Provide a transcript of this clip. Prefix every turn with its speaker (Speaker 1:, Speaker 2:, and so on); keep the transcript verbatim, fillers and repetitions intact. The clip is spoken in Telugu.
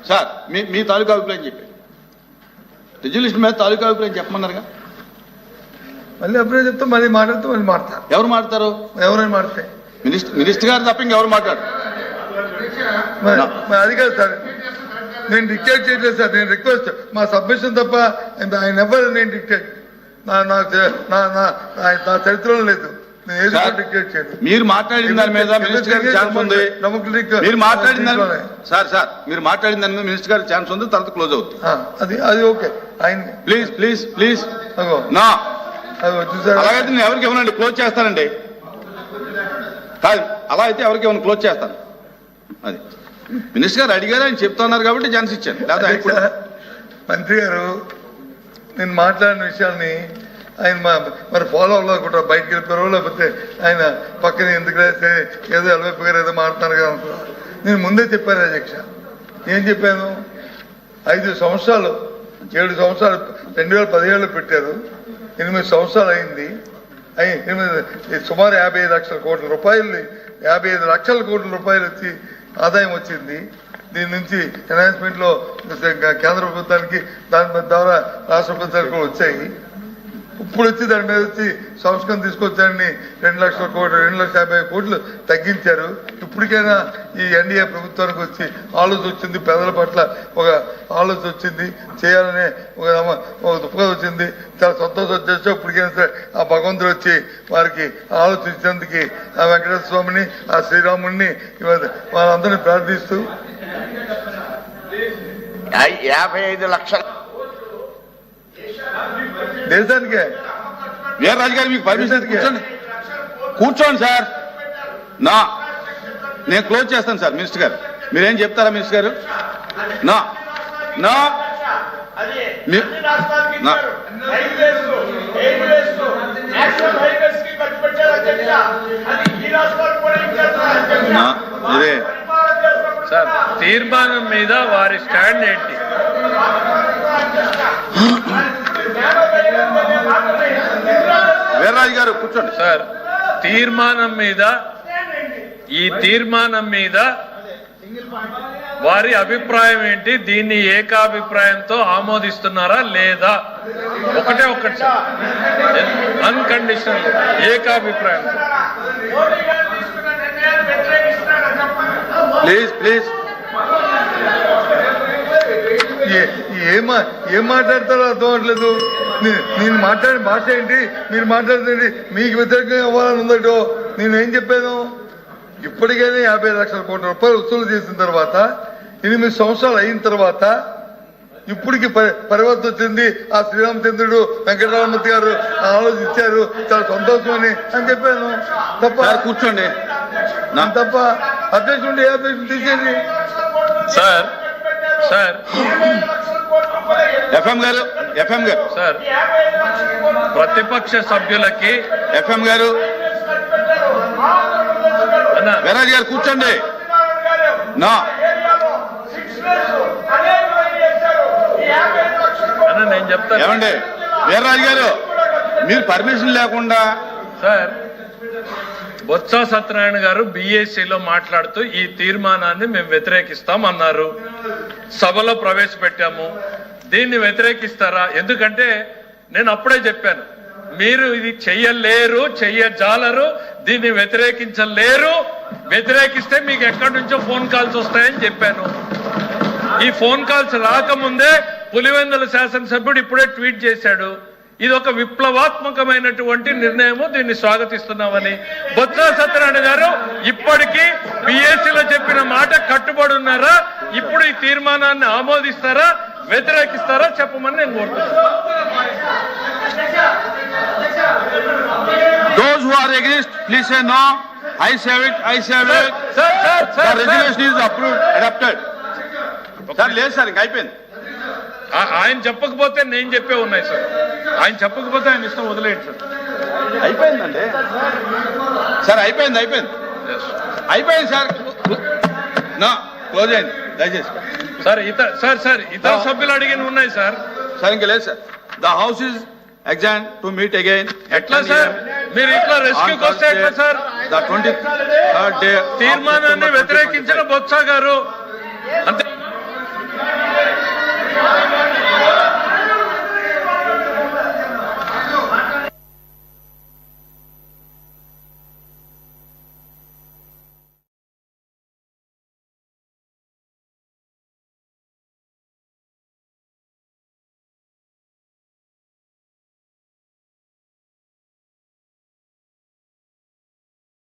Speaker 1: సార్ మీ మీ తాలూకా అభిప్రాయం చెప్పి రిజల్యూషన్ మీద తాలూకా అభిప్రాయం చెప్పమన్నారుగా.
Speaker 2: మళ్ళీ అభిప్రాయం చెప్తే మళ్ళీ మాట్లాడుతూ మళ్ళీ మాట్లాడతారు.
Speaker 1: ఎవరు మాట్లాడతారు?
Speaker 2: ఎవరైనా మాట్లాడితే
Speaker 1: మినిస్టర్ మినిస్టర్ గారు తప్ప ఇంకెవరు మాట్లాడు.
Speaker 2: అది కాదు సార్, నేను డిక్టేట్ చేయట్లేదు సార్. నేను రిక్వెస్ట్ మా సబ్మిషన్ తప్ప ఆయన ఎవరు నేను డిక్టేట్ నా నా నా చరిత్రలో లేదు.
Speaker 1: మీరు మాట్లాడిన దాని మీద మినిస్టర్ గారికి ఛాన్స్ ఉంది. మీరు మాట్లాడిన దాని సార్ సార్ మీరు మాట్లాడిన దాని మీద మినిస్టర్ గారికి ఛాన్స్ ఉంది, తర్వాత క్లోజ్ అవుతుంది.
Speaker 2: అది అది ఓకే. ఆయన
Speaker 1: ప్లీజ్ ప్లీజ్ ప్లీజ్ నా అలాగైతే నేను ఎవరికి ఇవ్వనండి, క్లోజ్ చేస్తానండి. కాదు అలా అయితే ఎవరికి ఇవ్వను, క్లోజ్ చేస్తాను. అది మినిస్టర్ గారు అడిగారు, ఆయన చెప్తున్నారు కాబట్టి ఛాన్స్ ఇచ్చాను. లేదా
Speaker 2: మంత్రి గారు నేను మాట్లాడిన విషయాన్ని ఆయన మరి ఫాలో అవ్వకుండా బయటకు వెళ్ళిపోయారో లేకపోతే ఆయన పక్కన ఎందుకు రాస్తే ఏదో ఎలవైపు గారు ఏదో మాట్లాడుతున్నారు కదా అనుకున్నారు. నేను ముందే చెప్పాను అధ్యక్ష. ఏం చెప్పాను? ఐదు సంవత్సరాలు ఏడు సంవత్సరాలు రెండు వేల పదిహేడులో పెట్టారు, ఎనిమిది సంవత్సరాలు అయింది. అయి ఎనిమిది సుమారు యాభై ఐదు లక్షల కోట్ల రూపాయలు యాభై ఐదు లక్షల కోట్ల రూపాయలు వచ్చి ఆదాయం వచ్చింది. దీని నుంచి ఎన్హాన్స్మెంట్ లో కేంద్ర ప్రభుత్వానికి దాని ద్వారా రాష్ట్ర ప్రభుత్వానికి కూడా వచ్చాయి. ఇప్పుడు వచ్చి దాని మీద వచ్చి సంస్కరణ తీసుకొచ్చారని రెండు లక్షల కోట్లు రెండు లక్షల యాభై కోట్లు తగ్గించారు. ఇప్పటికైనా ఈ ఎన్డీఏ ప్రభుత్వానికి వచ్చి ఆలోచన వచ్చింది, పేదల పట్ల ఒక ఆలోచన వచ్చింది, చేయాలనే ఒక ఒక దృక్పథం వచ్చింది. చాలా సంతోషం వచ్చేసి ఇప్పటికైనా సరే ఆ భగవంతుడు వచ్చి వారికి ఆలోచించేందుకు ఆ వెంకటేశ్వర స్వామిని ఆ శ్రీరాముడిని వాళ్ళందరినీ ప్రార్థిస్తూ
Speaker 3: యాభై ఐదు లక్షల
Speaker 2: దేశానికే
Speaker 1: వీర్రాజు గారు మీకు పర్మిషన్ కూర్చోండి కూర్చోండి సార్. నా నేను క్లోజ్ చేస్తాను సార్. మినిస్టర్ గారు మీరేం చెప్తారా మినిస్టర్ గారు? నా నా ఇదే
Speaker 4: సార్ తీర్మానం మీద వారి స్టాండ్ ఏంటి?
Speaker 1: వీర్రాజు గారు కూర్చోండి
Speaker 4: సార్. తీర్మానం మీద ఈ తీర్మానం మీద వారి అభిప్రాయం ఏంటి? దీన్ని ఏకాభిప్రాయంతో ఆమోదిస్తున్నారా లేదా? ఒకటే ఒకటి సార్, అన్కండిషనల్ ఏకాభిప్రాయం.
Speaker 1: ప్లీజ్ ప్లీజ్
Speaker 2: ఏం ఏం మాట్లాడతారో అర్థం అవట్లేదు. నేను మాట్లాడిన భాష ఏంటి, మీరు మాట్లాడుతుంది మీకు వ్యతిరేకంగా ఇవ్వాలని ఉందటో. నేనేం చెప్పాను? ఇప్పటికైనా యాభై లక్షల కోట్ల రూపాయలు వసూలు చేసిన తర్వాత ఎనిమిది సంవత్సరాలు అయిన తర్వాత ఇప్పటికి పరివర్తన వచ్చింది. ఆ శ్రీరామచంద్రుడు వెంకటరామమూర్తి గారు ఆలోచించారు, చాలా సంతోషం అని అని చెప్పాను. తప్ప
Speaker 1: కూర్చోండి
Speaker 2: తప్ప అధ్యక్షుడు ఏ అధ్యక్షుడు తీసేది
Speaker 4: సార్. సార్
Speaker 1: ఎఫ్ఎం గారు ఎఫ్ఎం గారు
Speaker 4: సార్ ప్రతిపక్ష సభ్యులకి
Speaker 1: ఎఫ్ఎం గారు వీర్రాజు గారు కూర్చోండి. నా
Speaker 4: నేను చెప్తాను
Speaker 1: ఏమండి వీర్రాజు గారు మీరు పర్మిషన్ లేకుండా
Speaker 4: సార్ బొత్స సత్యనారాయణ గారు బీఏసీలో మాట్లాడుతూ ఈ తీర్మానాన్ని మేము వ్యతిరేకిస్తాం అన్నారు. సభలో ప్రవేశపెట్టాము. దీన్ని వ్యతిరేకిస్తారా? ఎందుకంటే నేను అప్పుడే చెప్పాను, మీరు ఇది చెయ్యలేరు, చెయ్యజాలరు, దీన్ని వ్యతిరేకించలేరు. వ్యతిరేకిస్తే మీకు ఎక్కడి నుంచో ఫోన్ కాల్స్ వస్తాయని చెప్పాను. ఈ ఫోన్ కాల్స్ రాకముందే పులివెందుల శాసనసభ్యుడు ఇప్పుడే ట్వీట్ చేశాడు, ఇది ఒక విప్లవాత్మకమైనటువంటి నిర్ణయము, దీన్ని స్వాగతిస్తున్నామని. బొత్స సత్యనారాయణ గారు ఇప్పటికీ బిఎస్సీలో చెప్పిన మాట కట్టుబడి ఉన్నారా? ఇప్పుడు ఈ తీర్మానాన్ని ఆమోదిస్తారా, వ్యతిరేకిస్తారా చెప్పమని నేను కోరుతున్నాను.
Speaker 1: Those who are against, please say no. I say it. I say it.
Speaker 4: Sir, sir, sir,
Speaker 1: the resolution is approved, adopted. Sir, లేదు సార్, ఇంకా అయిపోయింది.
Speaker 4: ఆయన చెప్పకపోతే నేను చెప్పే ఉన్నాయి సార్. ఆయన చెప్పకపోతే ఆయన ఇష్టం వదిలేయండి సార్.
Speaker 1: అయిపోయిందండి సార్, అయిపోయింది అయిపోయింది అయిపోయింది సార్. నా క్లోజ్ అయింది దయచేసి.
Speaker 4: సార్ ఇతర సార్ సార్ ఇతర సభ్యులు అడిగిన ఉన్నాయి సార్.
Speaker 1: సార్ ఇంకా లేదు sir. The house is exam to meet again.
Speaker 4: ఎట్లా సార్ మీరు ఇట్లా రెస్క్యూకి వస్తే ఎట్లా sir?
Speaker 1: The twenty third day
Speaker 4: తీర్మానాన్ని వ్యతిరేకించిన బొత్స గారు అంతే.